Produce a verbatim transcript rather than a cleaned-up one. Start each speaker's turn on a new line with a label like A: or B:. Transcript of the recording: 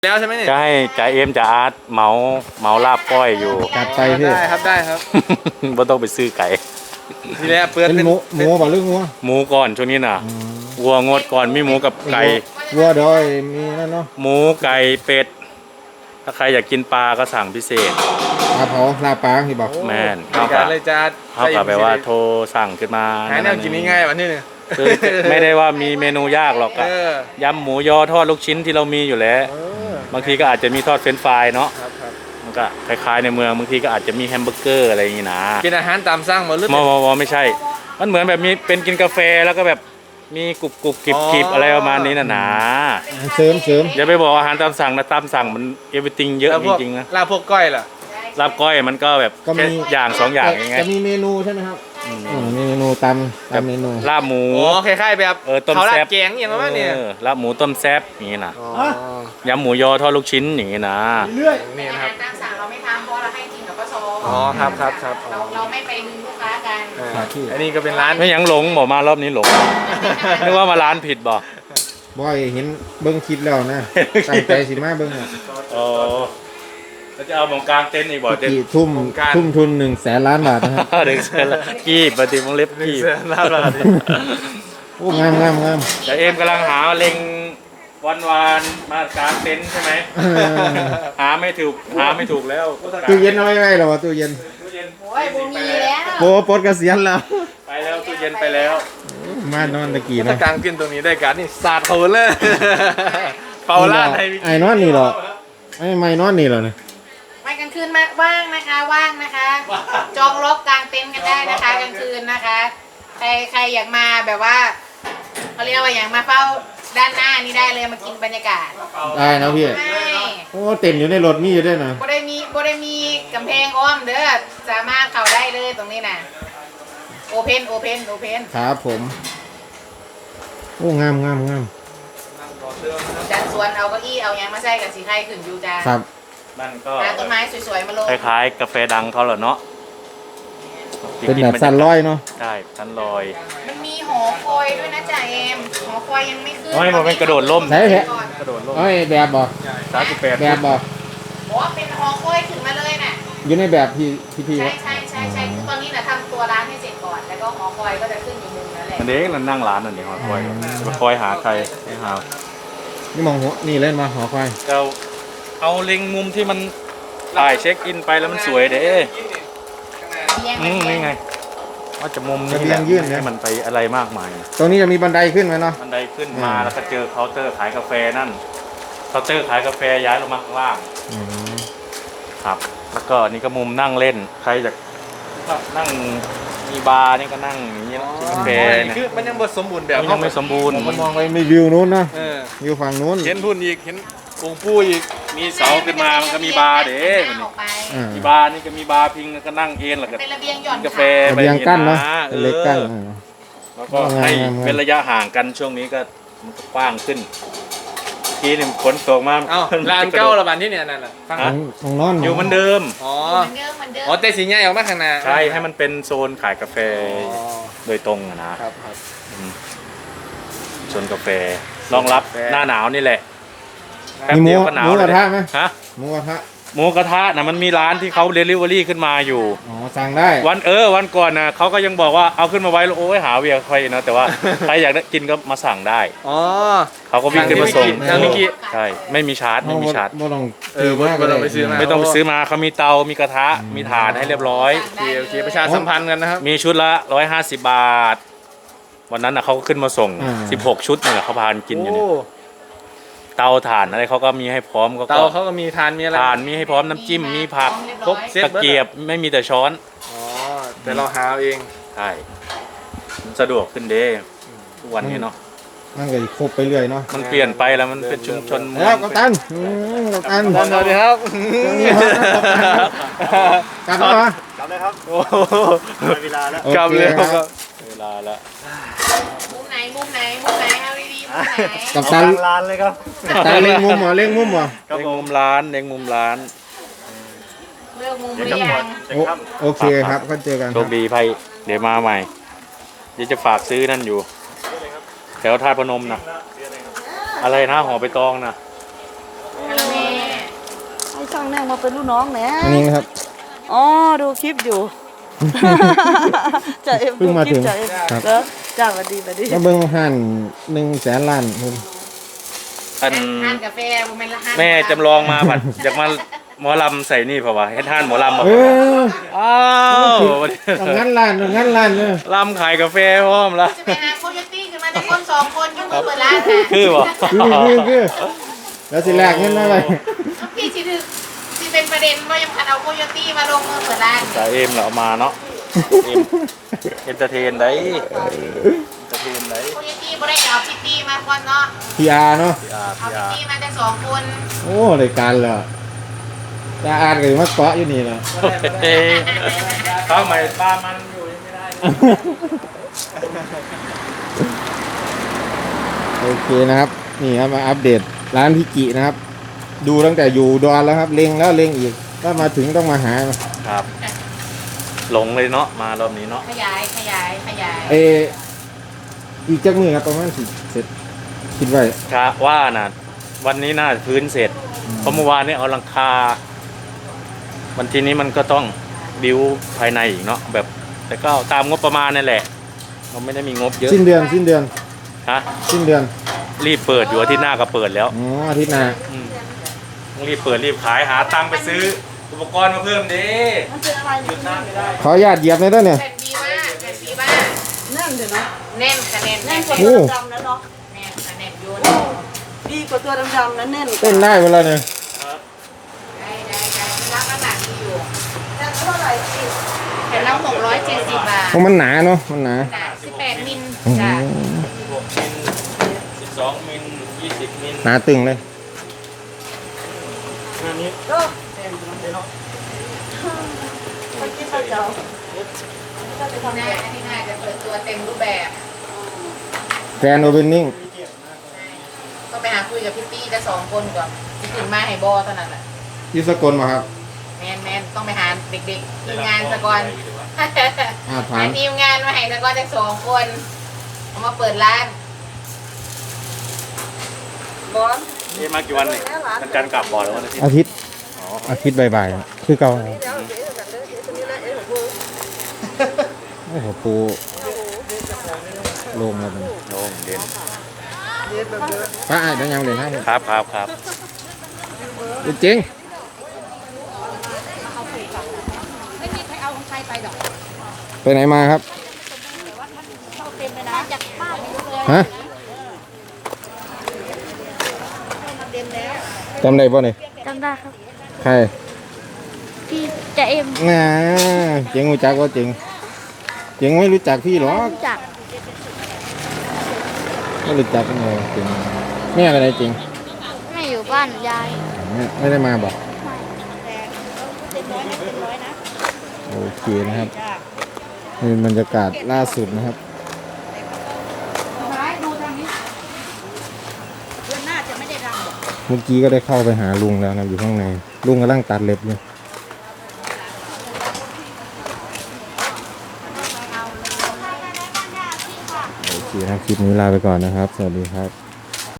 A: แล้วใช่ไหมเนี่ย
B: จะให้จ่าเอ็มจ่าอาร์ตเหมาเหมาลาบก้อยอยู่
C: จัดไปพี่
A: ได้ครับได้ครับ
B: บ่ต้องไปซื้อไก่
A: ทีแรกเปิด
C: เป็น
A: เป็น
C: หมูหมูบ่หรืองัว
B: หมูก่อนช่วงนี้น่ะวัวงดก่อนมีหมูกับไก่
C: วัวเดี๋ยวไอ้มีนั่นเนาะ
B: หมูไก่เป็ดถ้าใครอยากกินปลาก็สั่งพิเศษ
C: ปลาเผาลาปลาพี่บอก
B: แม่น
A: เข้า
B: เข้า
A: กั
B: กับ
A: นเลยจ้า
B: เข้ากับแบบว่าโทรสั่งขึ้นมา
A: หาแนวกินง่ายๆวันนี้เนี่ย
B: คือไม่ได้ว่ามีเมนูยากหรอก
A: เอ
B: อะ
A: อย
B: ำหมูยอทอดลูกชิ้นที่เรามีอยู่แล้ว
A: เออบ
B: างทีก็อาจจะมีทอดเฟรนช์ฟรายเนาะ
A: ครับครับ
B: มันก็คล้ายๆในเมืองบางทีก็อาจจะมีแฮมเบอร์เกอร์อะไรอย่างงี้นะ
A: กินอาหารตามสั่งหมดหรือ
B: มอมอมอไม่ใช่ มันเหมือนแบบมีเป็นกินกาแฟแล้วก็แบบมีกรุบกรุบกริบกริบอะไรประมาณนี้นะนะ
C: เสริมเสริม
B: อย่าไปบอกอาหารตามสั่งนะตามสั่งมันเอฟ r y ติงเยอะ
A: แล้ว
B: จ
A: พวก
B: ริงๆนะ
A: ลาบพวกก้อยล่ะ
B: ลาบก้อยมันก็แบบ
C: ก็มี
B: แค่อย่างสองอย่างเองไง
C: จะมีเมนูใช่ไหมครับอืมมีเมนูตามตามเมนู
B: ลาบหมู
A: โอ้คล้ายๆแบบ
B: เออต้ม
A: เขาลา
B: แซ่
A: บบ แกงอย่างนั้นเนี่ย
B: เออลาบหมูต้มแซ่บอย่างงี้นะ
A: อ๋อย
B: ำหมูยอทอดลูกชิ้นอย่างงี้นะ
A: นี่
D: อา
A: นะค
D: หา
A: รับ
D: รตามสั่งเราไม่ทำเพราะเราให้กินกับปส
A: อ๋อครับครับครับ
D: เราเราไม่ไปดึงลูกค้ากัน
A: เอออันนี้ก็เป็นร้าน
B: ไม่ยังหลงบอกมารอบนี้หลงนึกว่ามาร้านผิดบอก
C: บ่อยเห็นเบิ้งคลิปแล้วนะตั้งใจสิมาเบิ้งอ่ะ
B: อ๋อแล้วจะเอาหมองกลางเต็นท์อีกบอกเต็นท์
C: กี่ทุ่มทุ่มทุนหนึ่งแสนล้านบาทนะครับ
B: เด็กเสร็จแล้วกีบปฏิมงเล็บ
A: หนึ่ง
B: กีบ
A: เสือลาบลาบ
C: โอ้งามงามงาม
B: แต่เอ็มกำลังหาเล็งวันวานมากลางเต็นท์ใช่ไหม
C: เออ
B: หาไม่ถูกหาไม่ถูกแล้ว
C: ตู้เย็นเอาไว้ไว้เหรอวะตู้เย็น
B: ตู้เย็น
D: โอ้ยบุมีแล้ว
C: โอ้ปลดเกษียณแล้ว
B: ไปแล้วตู้เย็นไปแล้ว
C: มานอนตะกี้
A: ถ้า
C: เนาะ
A: กลางขึ้นตรงนี้ได้การนี่สาดเขาเลยเป่าลาดให้
C: ไอ้นอนนี่เหรอไอ้ไม่นอนนี่เหรอเนี่ย
D: ไม่กลางคืนมาว่างนะคะว่างนะคะ จองล็อกกลางเต็นท์กันได้นะคะกลางคืนนะคะ ใครใครอยากมาแบบว่าเขาเรียกว่าอย่างมาเฝ้าด้านหน้านี่ได้เลยมากินบรรยากาศ
C: ได้นะพี่
D: ไม่
C: โอ้เต็นอยู่ในรถมีอยู่ด้วยนะ
D: บ่ได้มีบ่ได้มีกำแพงอ้อมเด้อสามารถเข้าได้เลยตรงนี้น่ะโอเพนโอเพนโอเพน
C: ครับผม โอ้งามงามงาม
D: จัดสวนเอาเก้าอี้เอายางมาใส่กันสีไข่ขึ้นอยู่จ้า
C: ครับ
B: นั่นก็
D: หาต้นไม้สวยๆมาลง
B: คล้ายๆกาแฟดังเขาเหรอเนาะ
C: เป็นแบบสันร้อยเนาะ
B: ใช่สันลอย
D: มันมีหอคอยด้วยนะจ่าเอ็มหอคอยยังไม่ขึ้น
B: เฮ้ยมันเป็นกระโดดร่ม
C: ไหนแหละ
D: ก่อน
B: กระโดดร่ม
C: เอ้ยแบบบอก
B: สามสิบแปด
C: แบบบอก
D: บอกว่าเป็นหอคอยขึ้นมาเลยน่ะ
C: อยู่ในแบบที่ที่พี่
D: ใช่
C: ว่า
D: ใช่ใช่ใช่คือตอนนี้น่ะทำตัวร้านให้เสร็จก่อน แล้วก็หอคอยก็จะขึ้นอยู่มุมนั้นแหละ
B: อันนี้เรานั่งร้านอันนี้คอยมาคอยหาใครให้หา
C: นี่มองหัวนี่เล่นมาหอคอย
B: เราเอาเล็งมุมที่มันถ่ายเช็คอินไปแล้วมันสวยเด้
D: เลี้ยง
B: อืมนี่ไงว่าจะมุมนี้แหละให้มันไปอะไรมากมาย
C: ตรงนี้จะมีบันไดขึ้นไหมเนาะ
B: บันไดขึ้นมา
C: อืม
B: แล้วก็เจอเคาน์เตอร์ขายกาแฟนั่นเคาน์เตอร์ขายกาแฟย้ายลงมาข้างล่าง
C: อืม
B: ครับ แล้วก็นี่ก็มุมนั่งเล่นใครอยากนั่งมีบาร์นี่ก็นั่งอย่างนี้กินกาแฟ
A: นี่
B: นะ
A: คือมันยังบทสมบูรณ์แบบ
B: มันยังไม่สมบูรณ์
C: ผมมองไปมีวิวนู้นนะ
A: เออ
C: วิวฝั่งนู้น
A: เห็นพุ่นอีกเห็นองค์ปู่อีก
B: มีเสาขึ้นมามันก็มีบาร์เด้
D: มัน
B: มัน
D: อ
B: นี่
D: อกไป
C: อ่า
B: มีบาร์นี่ก็มีบาร์พิงแล้วก็นั่งเอนแล้วก็
D: เป็นระเบียงหย่อน
B: กาแฟ
C: ระเบียงกั้นเนาะ
B: เอ
C: เป็น
B: อ
C: เล็กกั้น
B: แล้วก็ให้เป็นระยะห่างกันช่วงนี้ก็มันก็กว้างขึ้นทีนี่ฝนตกมา
A: เอ้าร้านเก้าระบาดที่เนี่ยนั่นแหละฟัง
C: ของของนอน
B: อยู่เหมือนเดิม
A: อ๋อ
D: เหมือนเดิมเหมือนเดิม
A: อ๋อแต่สีใหญ่ออกมาข้างหน้า
B: ใช่ให้มันเป็นโซนขายกาแฟ
A: อ๋อ
B: โดยตรงอะนะครับ
A: ครับ
B: โซนกาแฟรองรับ
A: กาแฟ
B: หน้าหนาวนี่แหละแป๊บ
C: มีหมู
B: เดียวก็หนาว
C: หมูก
B: เล
C: ระ
B: ย
C: ทะไหม
B: ฮะ
C: หมูกระทะ
B: หมูกระทะนะมันมีร้านที่เขาเดลิเวอรี่ขึ้นมาอยู่
C: อ๋อสั่งได้
B: วันเออวันก่อนนะเขาก็ยังบอกว่าเอาขึ้นมาไว้แล้วโอ้ยหาเวียใครนะแต่ว่า ใครอยากได้กินก็มาสั่งได้
A: อ๋อ
B: เขาก็วิ่งขึ้นมาส่ง
A: ทางนิกิ
B: ใช่ไม่มีชาร์จไม่มีชาร์จ
C: บ่ต้อง
A: เออบ่บ่ต้องไปซื้อมา
B: ไม่ต้องไปซื้อมาเขามีเตา มีกระทะ มีถ่านให้เรียบร้อย
A: โอเคโอเคประชาสัมพันธ์กันนะครับ
B: มีชุดละร้อยห้าสิบบาท วันนั้นนะเขาก็ขึ้นมาส่งสิบหกชุดเนี่ยแหละเขาพากันกินอยู่เนี่ย
A: โ
B: เตาถ่านอะไรเขาก็มีให้พร้อมก็
A: เตาเขาก็มีทานมีอะไร
B: ถ่านมีให้พร้อมน้ำจิ้ม มีผัก
A: ครบเซ็ต
B: ตะเกียบไม่มีแต่ช้อน
A: อ๋อแต่เราหาเอาเอง
B: ใช่มันสะดวกขึ้นเด้ทุกวันนี้เนาะ
C: มันก็ครบไปเรื่อยเนาะ
B: มันเปลี่ยนไปแล้วมันเป็นชุมชนเมื
C: แล้
B: อ
C: ว
B: ง
C: กัปตันอืมกัปตัน
A: ตอนสวัสดีครับ
C: กลับแล้วเหรอก
E: ลับเลยครับ
A: โอ้โห
E: ได้เวลาแล้ว
A: กลับเลยครับ
B: เวลาละ
D: มุมไหนมุมไหนมุมไหนเอาดีๆมุมไหน
C: กัป
E: เอา
C: ตัน
E: กลางลานเลยครับ
C: กัปตันเล็งมุมเหรอเล็งมุมเหรอ
B: เล็งมุมร้านเล็งมุมร้าน
D: เลือกมุมห
E: เดี๋ยว
D: รื
E: จะ
D: อ
E: หม
D: ยั
E: ด
D: ง
E: จะ
C: โอ
E: ครับ
C: โอเคครับก็เจอกัน
B: โชคดีไพ่เดี๋ยวมาใหม่เดี๋ยวจะฝากซื้อนั่นอยู่แถวท่าตุพนมนะอะไรนะหอไปตองนะ
D: คาราเมล
E: างแน่มาเป็นลูกน้องแหน่
C: อันนี้นะครับ
E: อ๋อดูคลิปอยู่ จ่าเอ็ม
C: เพิ่งมาถึง
E: จ่าเอ็ม
C: ครับ
E: แล้วจ้าสวัสดีสวัสดี
C: มาเบิ่งหันหนึ่งแสนล้านคุณ
B: อัน
D: ห้านกาแฟบ่แม่นละห้าน
B: แม่จำลองมาผัดอยากมาหมอลำใส่นี่เปล่าวะเฮ็ดท่านหมอลำมา
C: เออ
B: อ้าว
C: เอางั้นล้านเอางั้นล้านเนอะ
B: ลำขายกาแฟพร้อมแล้ว
D: จะไปหาโคโยตี้ขึ้นมาแต่คนสองคนอยุ่งมือเปิดร้านน่ะ
B: คือบ่
C: คือคือคือแล้วสิแลกเงินอะไร
D: พี่สิถือสิเป็นประเด็นว่ายังพันเอาโคโยตี้มาลงมือเปิดร้าน
B: จ่าเอ็มเราเอามาเนาะเอ็มเอนเตอร์เทนได้เอนเตอร์เทนได้
D: โคโยตี้บ่ได้เอาพิตตี้มาก่อนเนาะ
C: พีอาร์เนาะ
B: พีอาร์
D: เอา
B: พี
D: พิต
B: อาร์
D: ตี้มาแต่สองคน
C: โอ้รายการเหรอจะอ่านกันมาเกาะอยู่นี่เหรอ
B: เฮ้ยข้าวใหม่ปลามันอยู่ยังไม่ได้
C: โอเคนะครับ นี่ครับมาอัปเดตร้านพิกินะครับ ดูตั้งแต่อยู่ดอนแล้วครับ เล็งแล้วเล็งอีกถ้ามาถึงต้องมาหา
B: ครับ หลงเลยเนาะมารอบนี้เนาะ
D: ขยายขยายขยาย
C: เอออีกจักมือครับประมาณสิเสร็จคิดไว้
B: ครับว่าน่ะวันนี้น่าจะพื้นเสร็จเพราะเมื่อวานนี้เอาหลังคา วันทีนี้มันก็ต้องบิวภายในอีกเนาะแบบ แต่ก็ตามงบประมาณนั่นแหละเราไม่ได้มีงบเยอะ
C: สิ้นเดือนสิ้นเดือน
B: ฮะ
C: สิ้นเดือน
B: รีบเปิดอยู่อาทิตย์หน้าก็เปิดแล้ว
C: อ๋ออาทิตย์หน้า
B: อืมต้องรีบเปิดรีบขายหาตังค์ไปซื้อ อุปกรณ์มาเพิ่มดิ
E: มันเป็นอะไร
B: หยุดน้ำไม่ได้
C: ขออนุญาตเหยียบหน่อยด้วยเนี่ย
D: แผ่นบีว่าแผ่นบีว่า
E: แน่นเดี๋ยวนะ
D: แน่นคะแนน
E: แน่
D: แน่
E: น
D: น
E: กว่า
C: โอ้
E: ตัวดำๆนะเนาะ
D: แน่นคะแนนโยน
E: ดีกว่าตัวดำๆนะแน่น
C: เต้นได้เวลาเนี่ย
D: ได้ได้ได้รับน้ำหนักดีอยู่
E: แต่เท่าไหร่สิ
D: แผ่นละหกร้อยเจ็ดสิบบาท
C: เพราะมันหนาเนาะมันหนา
D: หนาสิบแปดมิล
C: อืม
D: จ้ะ
B: สิบหกมิลสิบสองมิลยี่สิบมิล
C: หนาตึงเลย
B: อันนี้
E: ก็คนกินข้าวเจ้าก็จะทำ
D: หน้าอันนี้น่าจะเปิดตัวเต็มรูปแบบ
C: แกรนโอเ n นนิ่ง
D: ต้องไปหาคุยกับพี่ตี้จะสองคนก่อนที่ถึงมาให้บอเท่านั้นแหละ
C: ยุสกลมาครับ
D: แมนแมนต้องไปหาเด็กๆทีมงานสะก่อน
C: อาถา
D: หาม ทีมงานมาให้สะก่อนจะสองคนเอามาเปิดร้าน
E: บอล
B: เอ๊ะมากี่วันเนี่ยวันจันทร์กลับบ่อแล้ววันอาทิตย์
C: อาทิตย์
B: อ๋อ
C: อาทิตย์บ่ายๆคือเก่า
E: เดี๋ยวเดี๋ยวเดี๋ยวเดี๋ยวตัวนี้นะเอ๊ะของกู
C: โอ้โหปูลงแล้วมัน
B: โล่งเด่น
C: ป้าไอ้ต้องยังเด่นให้
B: ครับครับครับ
C: จริงไปไหนมาครับฮะจำได้ป่ะเนี่ย
F: จำได้ครับ
C: ใคร
F: พี่จะเอ็ม
C: น่าเจ๋งรู้จักว่าเจ๋งเจ๋งไม่รู้จักพี่หรอก
F: รู้จัก
C: ไม่รู้จักกันเลยเจ๋งแม่อะไรจริง
F: ไม่อยู่บ้านยาย
C: ไม่ไม่ได้มาบอก
F: เต็มร้อยนะเต็มร้อยนะ
C: โอเคนะครับนี่บรรยากาศล่าสุดนะครับ
E: ดูทางนี้เดือนหน้าจะไม่ได้รำหรอก
C: เมื่อกี้ก็ได้เข้าไปหาลุงแล้วนะอยู่ข้างในลุงกำลังตัดเล็บอยู่โอเคนะครับคลิปนี้ลาไปก่อนนะครับ สวัสดีครับ